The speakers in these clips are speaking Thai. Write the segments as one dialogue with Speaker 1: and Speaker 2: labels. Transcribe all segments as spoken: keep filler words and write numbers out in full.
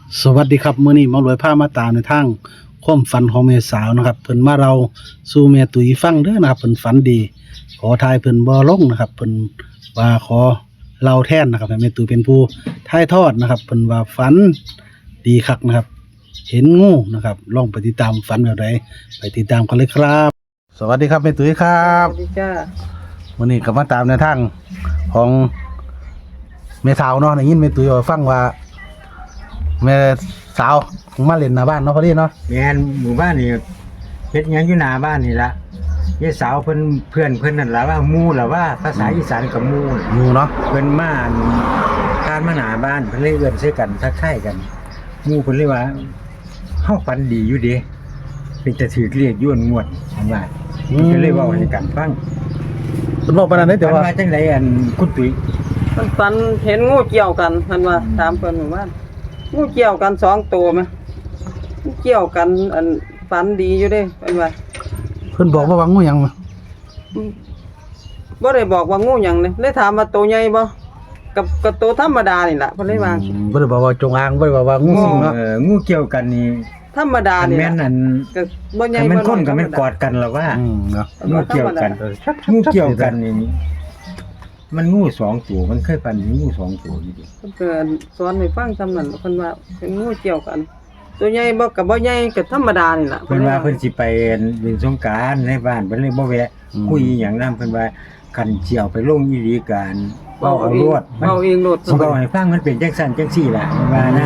Speaker 1: สวัสดีครับมื้อนี้หมารวยพามาตามในทางความฝันของแม่สาวนะครับเพิ่นมาเราสู่แม่ตุ้ยฟังเด้อนะครับเพิ่นฝันดีขอทายเพิ่นบ่ลงนะครับเพิ่นว่าขอเล่าแทนนะครับให้แม่ตุ้ยเป็นผู้ทายทอดนะครับเพิ่นว่าฝันดีคักนะครับเห็นงูนะครับลองไปติดตามฝันแบบใดไปติดตามกันเลยครับ สวัสดีครับแม่ตุ้ยครับ
Speaker 2: สวัสดีจ้า
Speaker 1: มื้อนี้ก็มาตามในทางของแม่สาวเนาะได้ยินแม่ตุ้ยว่าฟังว่าแม่สาวมาเล่นหน้าบ้านเนาะพอดีเนาะ
Speaker 3: แม่นหมู่บ้านนี่เฮ็ดหยังอยู่หน้าบ้านนี่ล่ะยายสาวเพิ่นเพื่อนเพิ่นนั่นล่ะว่าหมู่ล่ะว่าภาษาอีสานกับหมู่น่ะ
Speaker 1: งูเนาะ
Speaker 3: เพิ่นมาผ่านมาหน้าบ้านเพิ่นเลยเอื้อนใส่กันทักทายกันหมู่เพิ่นเลยว่าเฮาฝันดีอยู่เด้เป็นจะถือเรียกย้วนงวดเพิ่นว่าเพิ่นเลยเว้าให้กันฟัง
Speaker 1: เพิ่นบอกปานนั้นเด้แต่
Speaker 3: ฝัน
Speaker 1: ว่า
Speaker 3: ว่าจังไดอันคุณตุ้ย
Speaker 2: เพิ่นฝันเห็นงูเกี่ยวกันเพิ่นว่า
Speaker 3: อืม
Speaker 2: ถามเพิ่นหมู่บ้านงูเกี่ยวกันสองตัวมั้ยงูเกี่ยวกันอันฝันดีอยู่เด้เพิ่นว่า
Speaker 1: เพิ่นบอกว่าว่างูหยังมา
Speaker 2: อืมบ่ได้บอกว่างูหยังเลยเลยถามว่าตัวใหญ่บ่กับกับตัวธรรมดานี่ล่ะเพิ่นเลยว่า
Speaker 1: อืมบ่ได้บอกว่าจงอางบ่ได้บอกว่างูสิงเนาะ
Speaker 3: เอองูเกี่ยวกันนี่
Speaker 2: ธรรมดา
Speaker 3: อัน
Speaker 2: นี่
Speaker 3: แม่น
Speaker 2: ล่ะ
Speaker 3: อัน
Speaker 2: ก็บ่ใหญ่
Speaker 3: คันแม่น
Speaker 2: บ่
Speaker 3: คนก็
Speaker 2: อย
Speaker 3: แม่นกอดกันล่ะว่า
Speaker 1: อืมเนาะ
Speaker 3: งูเกี่ยวกัน
Speaker 1: เออ
Speaker 3: งูเกี่ยวกันนี่มันงูสองตัวมันเคยปันงูสองตัวอยู่ดิ
Speaker 2: เพิ่นก็สอนให้ฟังซำนั้นเพิ่นว่าเป็นงูเกี่ยวกัน ตัวใหญ่บ่กับบ่ใหญ่ก็ธรรมดานี่ล่ะ
Speaker 3: เพิ่นว่าเพิ่นสิไปเล่นสงกรานต์ในบ้านเพิ่นเลยบ่แวะคุยอหย่างนั้นเพิ่นว่าคันเจียวไปลงอีหลีกันเว้าเอาโลดมัน
Speaker 2: เว้าเองโลด
Speaker 3: สิเว้าให้ฟังมันเป็นจังซั่นจังซี่ล่ะเพิ่นว่านะ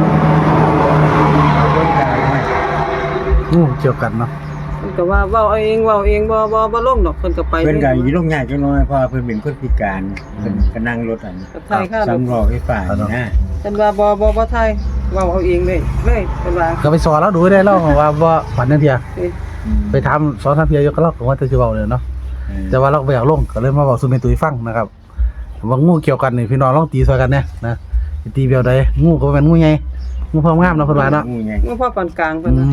Speaker 3: เบิ่งกายไว้
Speaker 1: งูเกี่ยวกันเนาะ
Speaker 2: เพิ่นก็ว่าเว้าเอาเองเว้าเองบ่บ่บ่ลงดอกเพิ่นก็ไป
Speaker 3: เพิ่นก็อยู่ลงยากจังน้อยเพราะว่าเพิ่นเป็นคนพิการเพิ่นก็นั่งรถอัน
Speaker 2: ก็ถ่ายค่ารถ
Speaker 3: สำรองไฟฟ้านี่นะ
Speaker 2: เพิ่นว่าบ่บ่บ่ไทยเว้าเอาเองเลยเลยเพิ่นว่า
Speaker 1: ก็ไปสอนแล้วดูได้แล้วว่าว่าฝันจังเที่ย
Speaker 2: เอ้ย
Speaker 1: ไปถามสอนทางเที่ยอยู่ก็เล่าก็ว่าจะสิเว้าเลยเนาะแต่ว่าเราก็บ่อยากลงก็เลยมาเว้าสู่แม่ตุ้ยฟังนะครับว่างูเกี่ยวกันนี่พี่น้องลองตีซอยกันแน่นะสิตีแบบใดงูก็บ่แม่นงูใหญ่งูพร้อมงามเนาะเพิ่นว่าเนาะ
Speaker 3: งูใหญ่
Speaker 2: งูพ่อปานกลางเพิ่น
Speaker 1: อื
Speaker 2: ว่าม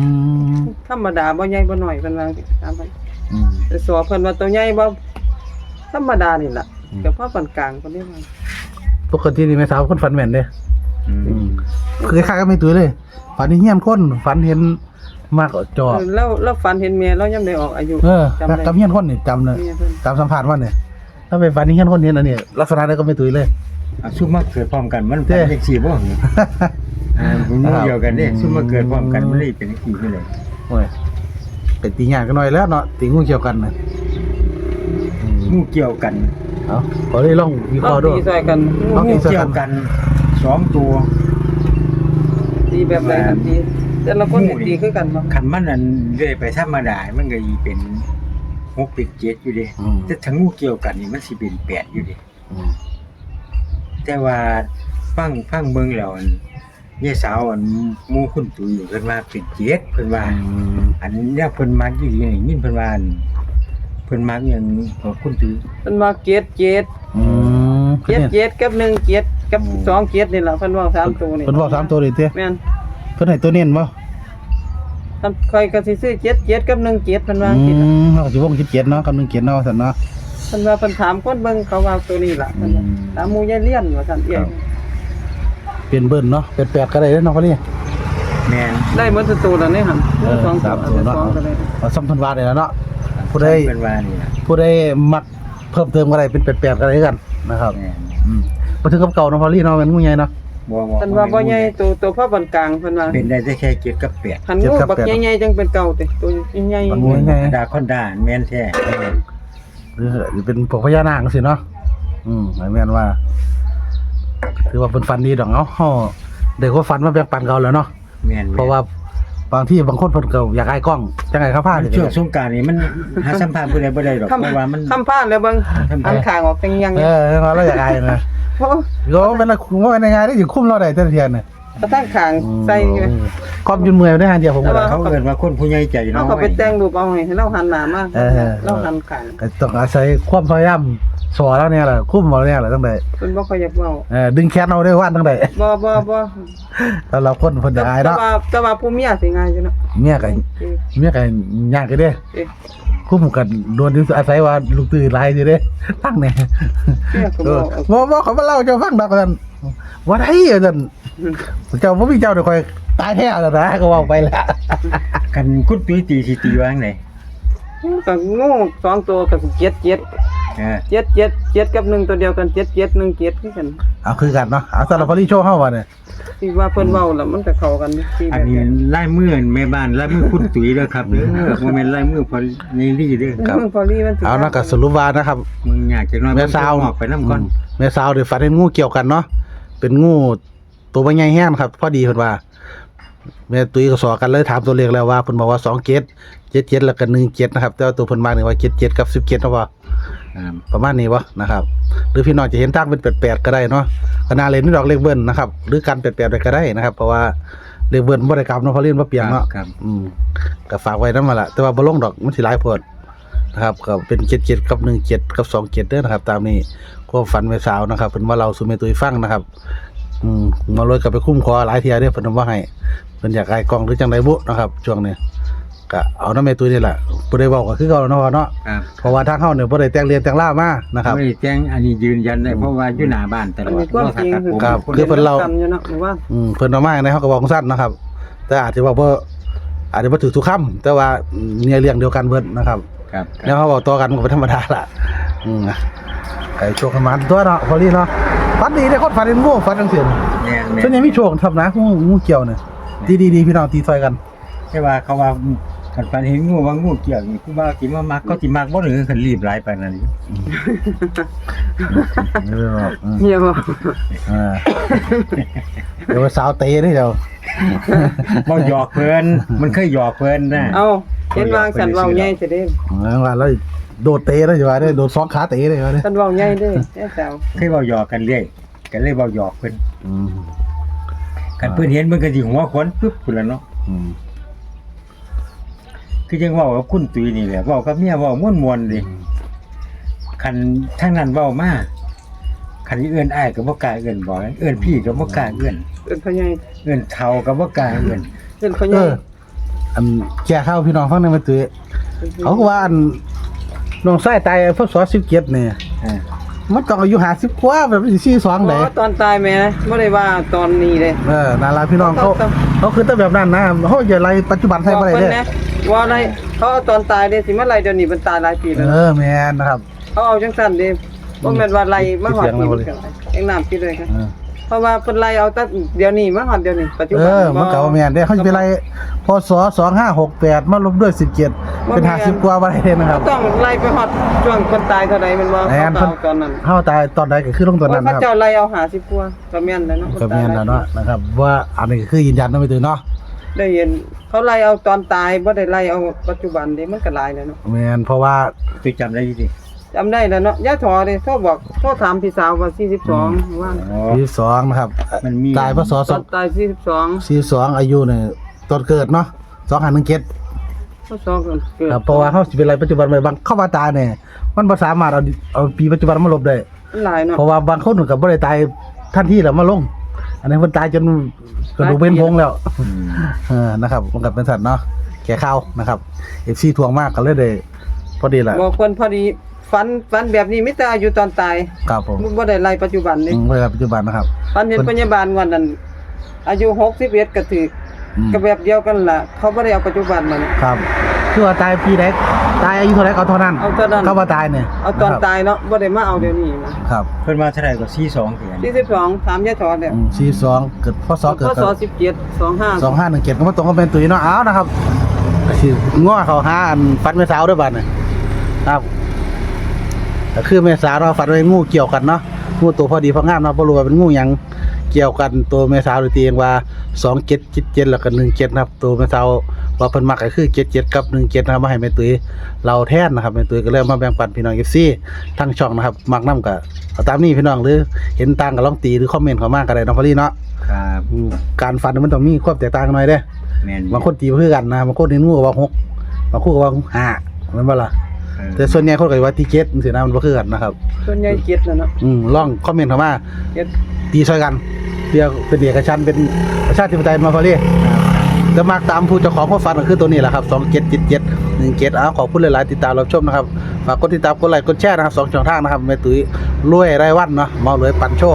Speaker 2: ธรรมดาบ่ใหญ่บ่น้อยเพิ่นว่าตามไป
Speaker 1: อืม
Speaker 2: แต่สอเพิ่นว่าตัวใหญ่บ่ธรรมดานี่ล่ะ
Speaker 1: อืม
Speaker 2: ก็พ่อปานกลางเพิ่นเรียกว่า
Speaker 1: ปกตินี่แม่สาวคนฝันแม่นเด้
Speaker 3: อืม
Speaker 1: อืมคือคล้ายๆกับแม่ตุ้ยเลยฝันเห็นเฮียนคนฝันเห็นมากกว่าจอ
Speaker 2: เออแล้วแล้วฝันเห็นเมียแล้วยังได้ออกอายุ
Speaker 1: เออ
Speaker 2: จำได้
Speaker 1: กับเฮียนคนนี่จำเลย
Speaker 2: เมียเพิ่น
Speaker 1: จำสัมผัสว่าเนี่ยถ้าไปฝันเฮียนคนเห็นอันนี้ลักษณะนั้นก็ไม่ตุ้ยเลย
Speaker 3: อ่ะซุมมาเกิดพร้อมกันมัน
Speaker 1: เด้
Speaker 3: เป็นจังซี่บ่เหรอ อ่าผมงูเดียวกันเนี่ยซุ่มมาเกิดพร้อมกันไม่ได้เป็นกี่ไปเลย
Speaker 1: โอ้ยเป็นตีงานกันหน่อยแล้วเนาะตีงูเกี่ยวกันนะอืม
Speaker 3: งูเกี่ยวกัน
Speaker 1: เอาขอได้ลองวิเค
Speaker 2: ต้อ
Speaker 1: ราะ
Speaker 2: ง
Speaker 1: ห์ด้วย
Speaker 2: ตีซอยกัน
Speaker 1: ต้องตี
Speaker 3: งูเกี่ยวกันสองตัว
Speaker 2: ตีแบบไหนกันตีแต่ละคนนี่ตีคือกันบ่
Speaker 3: คันมันนั่นเรื่อยไปธรรมดามันก็อีเป็นหกเป็นเจ็ดอยู่ดิ
Speaker 1: อืม
Speaker 3: แต่ถ้างูเกี่ยวกันนี่มันสิเป็นแปดอยู่ดิ
Speaker 1: อืม
Speaker 3: แต่ว่าฟังฟังเบิ่งแล้วอันยายสาวอันหมู่คุณตุ้ยเพิ่นว่าเป็นเจ็ดเพิ่นว่า
Speaker 1: อืม
Speaker 3: อันเนี้ยเพิ่นมักอยู่นี่ยินเพิ่นว่าอันเพิ่นมักอย่างของคุณตุ้ย
Speaker 2: เพิ่นว่าเกียรติเกียรติ
Speaker 1: อืม
Speaker 2: เกียรติเกียรติกับหนึ่งเกียรติกับสองเกียรตินี่ล่ะเพิ่นว่าสามตัวนี่
Speaker 1: เพิ่นบอกสามตัวเลยเต้
Speaker 2: แม่น
Speaker 1: เพิ่นให้ตัวเน้นบ่
Speaker 2: ทำค่อยก็สิซื้อเกียรติเกียรติกับหนึ่งเกียรติเพิ่นว่า
Speaker 1: อื
Speaker 2: สิล่ะ
Speaker 1: มเขาก็สิวงคิดเกียรติเนาะคำนึงเกียรติเนาะซั่นเนาะ
Speaker 2: เพิ่นว่าเพิ่นถามคนเบิ่งเขาว่าตัวนี้ล่ะเพิ่นว่า
Speaker 1: อืม
Speaker 2: ถามหมู่ยายเลี้ยนว่าซั่นเอีย
Speaker 1: ครับ เป็นเบิ้ลเนาะเป็นแปดก็ได้เด้อเนาะพอดี
Speaker 3: แม่น
Speaker 2: ได้หมดทุกตัวแล้วนี่หั่น
Speaker 1: เออ
Speaker 2: สอง
Speaker 1: สามตัวเนาะ
Speaker 2: สองก็ได้
Speaker 1: เอาซ้ำเพิ่นว่าได้แล้วเนาะผู้ใด
Speaker 3: เพิ่นว่านี่ล่ะ
Speaker 1: ผู้ใดมักเพิ่มเติมก็ได้เป็นแปดๆก็ได้กันนะครับ
Speaker 3: แม่น
Speaker 1: อืมบ่ถึงกับเก่าเนาะพอลี่เนาะแม่นงูใหญ่เนาะ
Speaker 3: บ่บ่
Speaker 2: เพิ่นว่าบ่ใหญ่ตัวตัวพ่อปานกลางเพิ่นว่า
Speaker 3: เป็นได้แต่แค่เจ็ดกับแปด
Speaker 2: คันงูบักใหญ่ๆจังเป็นเก่าติตัวใหญ่
Speaker 1: มันงูใหญ่
Speaker 3: ดาคอนดาแม่นแท้
Speaker 1: หรือหรือเป็นพวกพญานาคจังซี่เนาะอืมหมายแม่นว่า ถือว่าเพิ่นฝันดีดอกเนาะเฮาได้ความฝันมาแบ่งปันเขาแล้วเนาะ
Speaker 3: แม่น
Speaker 1: เพราะว่าบางที่บางคนเพิ่นก็อยากอายกล้องจังไงครับพา
Speaker 3: มัน
Speaker 1: นี่
Speaker 3: ช่วงสงกรานต์นี่มันหาสัมภาษณ์ผู้ใดบ่ได้หรอก
Speaker 2: ๆคำ
Speaker 3: เพราะว่ามัน
Speaker 2: คำพาดแล้วเบิ่งอันข้างออกจังยัง
Speaker 1: เออเราอยากอายนะ
Speaker 2: เพราะ
Speaker 1: ก็เป็นว่าเป็นยังไงได้สิคุมเราได้แต่ละเทียนน่ะ
Speaker 2: กระทั่งข้างใส่อยู่
Speaker 1: ความยืนเมื่อยได้หาเดียวผมก็ได้
Speaker 3: เขาเอิ้นว่าคนผู้ใหญ่ใจ
Speaker 2: เขา
Speaker 3: น้อย
Speaker 2: ก็ไปแต่งรูปเอาให้เราหันหน้ามา
Speaker 1: เออ
Speaker 2: เราหันข้าง
Speaker 1: ก็ต้องอาศัยความพยายามสอนแล้วเนี่ยแหละคุ้มเราเนี่ยแหละตั้งแต่
Speaker 2: เพิ่นบ่ค่อยอยากเว้า
Speaker 1: เออดึงแขนเอาได้ว่านตั้งแต่
Speaker 2: บ่บ่บ่
Speaker 1: แล้วเราคนคนจะอาย
Speaker 2: แต่
Speaker 1: เนาะ
Speaker 2: ว่าแต่ว่าผู้เมียสิง่ายอยู่เนาะ
Speaker 1: เมียกัน
Speaker 2: เอ้ย
Speaker 1: เมียกันยากกันเด้
Speaker 2: เอ้ย
Speaker 1: คุ้มกันโดนที่อาศัยว่าลูกตื่นหลายสิเด้ตั้งเนี่ย
Speaker 2: เมียก็
Speaker 1: เอ
Speaker 2: บ่
Speaker 1: อบ่บ่เขามาเล่าเจ้าฟังดอกกันว่าได้อาจารย์เจ้าบ่มีเจ้าเดี๋ยวคอยตายแท้แล้วนะก็เว้าไปแล้ว
Speaker 3: กันคุณตุ้ยตีสิตีว่าจังได๋
Speaker 2: ก็งูสองตัวก็เจ็ดเจ็ด
Speaker 3: เออ
Speaker 2: เจ็ดเจ็ดเจ็ดกับหนึ่งตัวเดียวกันเจ็ดเจ็ดหนึ่งเจ็ดคือกัน
Speaker 1: เอาคือกันเนาะเอาสำหรับพอลี่โชว์เฮาว่าเนี่ย
Speaker 2: ที่ว่าเพิ่นเว้าแล้วมันก็เข้ากันที่
Speaker 3: อันนี้ลายมือแม่บ้านลายมือคุณตุ้ยเด้อครับเด้อบ่แม่นลายมือพอนี่ลี่เด้อ
Speaker 2: ครับพอลี่มันสิ
Speaker 1: เอานะก็สรุปว่านะครับ
Speaker 3: มึงอยากจะนอน
Speaker 1: แม่สาว
Speaker 3: ออกไปนํก่อน
Speaker 1: แม่สาวได้ฝันเห็นงูเกี่ยวกันเนาะเป็นงูตัวบ่ใหญ่แฮงครับพอดีเพิ่นว่าแม่ตุ้ยก็สอกันเลยถามตัวเลขแล้วว่าเพิ่นบอกว่าสองเจ็ด เจ็ดเจ็ดแล้วก็หนึ่งเจ็ดนะครับแต่ว่าตัวเพิ่นมานี่ว่าเจ็ดเจ็ดกับสิบเจ็ดเนาะบ่
Speaker 3: ครับ
Speaker 1: ประมาณนี้วะนะครับหรือพี่น้องจะเห็นทางเป็นแปดแปดก็ได้เนาะก็น่าเล่นนี่ดอกเลขเบิ้ลนะครับหรือการแปดแปดไปก็ได้นะครับเพราะว่าเลขเบิ้ลบ่ได้กลับเนาะเพราะเรียนบ่เปลี่ยนเนาะ
Speaker 3: ครับ
Speaker 1: อืมก็ฝากไว้นำมาละแต่ว่าบ่ลงดอกมันสิหลายโพดนะครับก็เป็นเจ็ดเจ็ดกับหนึ่งเจ็ดกับสองเจ็ดเด้อนะครับตามนี้ความฝันแม่สาวนะครับเพิ่นว่าเราสู่แม่ตุ้ยฟังนะครับอืมมาเลยก็ไปคุ้มคอหลายเที่ยเด้อเพิ่นว่าให้เพิ่นอยากอายกล้องหรือจังไดบุนะครับช่วงนี้ก็เอานำแม่ตุ้ยนี่แหละบ่ได้เว้าก็คือเก่าเนาะเนาะ
Speaker 3: ครับ
Speaker 1: เพราะว่าทางเฮาเนี่ยบ่ได้แต่งเรียนแต่งล่ามานะครับ
Speaker 3: ไม่ได้แจ้งอันนี้ยืนยันได้เพราะว่าอยู่หน้าบ้านตล
Speaker 2: อัน
Speaker 3: อด
Speaker 2: นี้ความจริงคือ
Speaker 1: ครับ คือเพิ่นเล่า
Speaker 2: กันอยู่เนาะหรือว่า
Speaker 1: อืมเพิ่นเอามาในเฮาก็บอกสั้นนะครับ แต่อาจจะว่าบ่อาจจะบ่ถูกทุกคำแต่ว่าเนี่ยเรื่องเดียวกันเบิดนะครับ
Speaker 3: ครับ
Speaker 1: แล้วเขาบอกต่อกันมันก็เป็นธรรมดาล่ะอืมนะไอ้โชคกันมาตัวเนาะพอลี่เนาะฝันดีได้คนฝันเห็นงูฝันจังซี่
Speaker 3: แม่นแม่
Speaker 1: ส่วนใหญ่มีโชคทำนะงูงูเกี่ยวเนี่ยดีๆๆพี่น้องตีซอยกัน
Speaker 3: ใช่ว่าเขาว่าคันฝันเห็นงูว่างูเกี่ยวนี่กูว่าสิมามักก็สิมักบ่หรือคันรีบหลายปานนั้น
Speaker 1: เอออืม
Speaker 2: เฮียบ่
Speaker 1: เออเดี๋ยวไปสาวเตะเด้อเจ้า
Speaker 3: บ่หยอกเพิ่นมันเคยหยอกเพิ่นนะ
Speaker 2: เอาเห็นวางสันเว้าใหญ่ซะเด้
Speaker 1: เออว่าแล้วโดดเตะได้อยู่ว่าได้โดดสองขาเตะได้ว่าเด้
Speaker 2: สันเว้าใหญ่เด้แม่สาว
Speaker 3: เคยเว้าหยอกกันเรื่อยก็เลยเว้าหยอกเพิ่น
Speaker 1: อืม
Speaker 3: คันเพิ่นเห็นเพิ่นก็สิหัวขวนปึ๊บพุ่นล่ะเนาะ
Speaker 1: อืม
Speaker 3: คือจังเว้ากับคุณตุ้ยนี่แหละเว้ากับเมียเว้าม่วนๆดิคันทางนั้นเว้ามาคันเอื้อนอ้ายก็บ่กล้าเอื้อนบ่เอื้อนพี่ก็บ่กล้าเอื้อน
Speaker 2: เอิ้นพ่อใหญ่
Speaker 3: เอื้อนเฒ่าก็บ่กล้าเอื้อน
Speaker 2: เอิ้นพ่อให
Speaker 1: เอ
Speaker 2: ญ่
Speaker 1: ออันแก่ข้าวพี่น้องฟังหนึงมาตุ้ยเขาก็ว่าอันน้องชายตายพศสิบเจ็ดเนี่ย
Speaker 3: อ่า
Speaker 1: มันต้องอายุห้าสิบกว่าแบบสิสี่สิบสองได้
Speaker 2: อ๋อตอนตายแม่บ่ได้ว่าตอนนี้เด้
Speaker 1: เออนาราพี่น้องเขา
Speaker 2: ต้อง
Speaker 1: เขาคือแต่แบบนั้นนะเขาอย่าไรปัจจุบันใส่บ่ได้
Speaker 2: บอก
Speaker 1: เด้
Speaker 2: เพิ่นนะว่าอะไรเขาเอาตอนตายเด้สิมาไล่เดี๋ยวนี้มันตายหลายปีแล้ว
Speaker 1: เออแม่นนะครับ
Speaker 2: เขาเอาจังซั่นเด้บ่แม่นว่าไล่มาฮอด
Speaker 1: เสียง
Speaker 2: นี่
Speaker 1: แล้วบ่
Speaker 2: มัน
Speaker 1: เลย
Speaker 2: ก็เองน้ำปิดเลยค่ะ
Speaker 1: เออ
Speaker 2: เพราะว่าเพิ่นไล่เอาแต่เดี๋ยวนี้มาฮอดเดี๋ยวนี้ปัจจุ
Speaker 1: เอ
Speaker 2: บัน
Speaker 1: อมันก็ว่าแม่นเด้เขาสิไปไล่พศสองห้าหกแปดมาลบด้วยสิบเจ็ดเป็นห้าสิบกว่าบ่ได้เด้นะครับ
Speaker 2: ต้องไล่ไปฮอดช่วงคนตายเท่าใดมันว่า
Speaker 1: แม่น
Speaker 2: เขาเอาตอนนั้น
Speaker 1: เฮาตายตอนใดก็คือลงตอนนั้น
Speaker 2: โอ้ย
Speaker 1: นะ
Speaker 2: พ
Speaker 1: ครับ
Speaker 2: ระเจ้าไล่เอาห้าสิบกว่าก็แม่นแล้วเนาะ
Speaker 1: ก็แม่นแล้วเนาะนะครับว่าอันนี้คือยืนยันเนาะไม่ตื่นเนาะ
Speaker 2: ได้เห็นเขาไล่เอาตอนตายบ่ได้ไล่เอาปัจจุบันเด้มันก็หลายแล้วเนาะ
Speaker 1: แม่นเพราะว่า
Speaker 3: ตุ้ยจำได้อยู่ดิ
Speaker 2: จำได้แล้วเนาะย่าถอเด้โทรบอกโทรถามพี่สาวว่าสี่สิบสองว่า
Speaker 3: อ๋อ
Speaker 1: ปีสองนะครับ
Speaker 3: มันมี
Speaker 1: ตายพศ
Speaker 2: ตอนตายสี่สิบสอง
Speaker 1: สี่สองอายุเนี่ยตอนเกิดเนาะสองห้าหนึ่งเจ็ด
Speaker 2: พศเกิด
Speaker 1: ครับเพราะว่าเขาสิเป็นอะไรปัจจุบันไปบางเข้ามาตายเนี่ยมันบ่สามารถเอาเอาปีปัจจุบันมาลบได้
Speaker 2: มันหลายเนาะ
Speaker 1: เพราะว่าบางคนก็บ่ได้ตายทันทีแล้วมาลง อันนี้เพิ่นตายจนกระดูกเป็นพงแล้ว
Speaker 3: อืม
Speaker 1: เออนะครับมันก็เป็นสัตว์เนาะแก่ข้าวนะครับ เอฟ ซี ทวงมากก็เลยได้พอดีแหละ
Speaker 2: บอกคนพอดีฝันฝันแบบนี้มิแต่อายุตอนตาย
Speaker 1: ครับผม
Speaker 2: บ่ได้ไล่ปัจจุบัน
Speaker 1: อื
Speaker 2: นี่
Speaker 1: มเวลาปัจจุบันนะครับ
Speaker 2: ฝันเห็นพยาบาลวันนั้นอายุหกสิบเอ็ดก็ถือ
Speaker 1: อืม
Speaker 2: ก็แบบเดียวกันล่ะเขาบ่ได้เอาปัจจุบันมัน
Speaker 1: ครับคือว่าตายปีใดตายอายุเท่าไหร่ก็เท่านั้น
Speaker 2: เอาเท่านั้น
Speaker 1: เข้ามาตายเนี่ย
Speaker 2: เอาตอนตายเนาะบ่ได้มาเอาเดี๋ยวนี้นะครับ
Speaker 3: เพิ่นว่าเท่าไหร่ก็สี่สิบสองเถียน
Speaker 2: สี่สิบสองถามยายถอดเนี่ย
Speaker 1: อืมสี่สองเกิดพศเกิด
Speaker 2: พศสิบเจ็ด สองห้า
Speaker 1: สองห้าหนึ่งเจ็ดก็มาตรงกับเป็นตุ้ยเนาะเอานะครับสิง้อเขาหาอันฟันแม่สาวด้วยบัดเนี่ยครับก็คือแม่สาวเราะฟันไว้งูเกี่ยวกันเนาะงูตัวพอดีพองามเนาะบ่รู้ว่าเป็นงูหยังเกี่ยวกันตัวแม่สาวหรือตีเองว่าสองเจ็ดเจ็ดเจ็ดแล้วก็หนึ่งเจ็ดนะครับตัวแม่สาวว่าเพิ่นมักก็คือเจ็ดเจ็ดกับหนึ่งเจ็ดนะครับมาให้แม่ตุ้ยเราแทนนะครับแม่ตุ้ยก็เลยมาแบ่งปันพี่น้อง เอฟ ซี ทั้งช่องนะครับมักนำก็เอาตามนี้พี่น้องหรือเห็นต่างก็ลองตีหรือคอมเมนต์เข้ามาก็ได้เนาะพอดีเนาะ
Speaker 3: ครับ
Speaker 1: อืมการฟันมันต้องมีความแตกต่างกันหน่อยเด้
Speaker 3: แม่น
Speaker 1: บางคนตีบ่คือกันนะบางคนเห็นงูก็ว่าหกบางคนก็ว่าห้าแม่นบ่ล่ะ
Speaker 3: เออ
Speaker 1: แต่ส่วนใหญ่คนก็ว่าที่เจ็ดจังซี่นะมันบ่คือกันนะครับ
Speaker 2: ส่วนใหญ่เจ็ดแล้วเนาะ
Speaker 1: อืมลองคอมเมนต์เข้ามา
Speaker 2: เจ็ด
Speaker 1: ตีช่วยกันเรียกเป็นเอกชันท์เป็นประชาธิปไตยมาพอดีแต่มักตามผู้เจ้าของความฝันก็คือตัวนี้แหละครับสองเจ็ดเจ็ดเจ็ดหนึ่งเจ็ดอ้าวขอบคุณหลายๆติดตามรับชมนะครับฝากกดติดตามกดไลค์กดแชร์นะครับสองช่องทางนะครับแม่ตุ้ยรวยรายวันเนาะเมาเลยปันโชค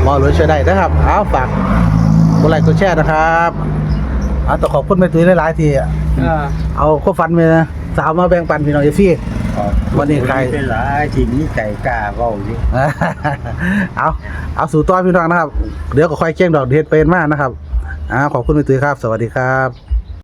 Speaker 1: หมอรวยช่วยได้นะครับเอาฝากกดไลค์กดแชร์นะครับเอาต้องขอบคุณแม่ตุ้ยหลายๆที่
Speaker 2: อ่า
Speaker 1: เอาข้อฟันมาสาวมาแบ่งปันพี่น้องเอฟซี วันนี้ใคร
Speaker 3: เป็นหลายที่นี้ใจกล้าเว้าอยู่
Speaker 1: เอาเอาสู่ต้อนพี่น้องนะครับ เดี๋ยวก็ค่อยเคี่ยงดอกเด็ดเป็นมากนะครับอ่าขอบคุณแม่ตุ้ยครับ สวัสดีครับ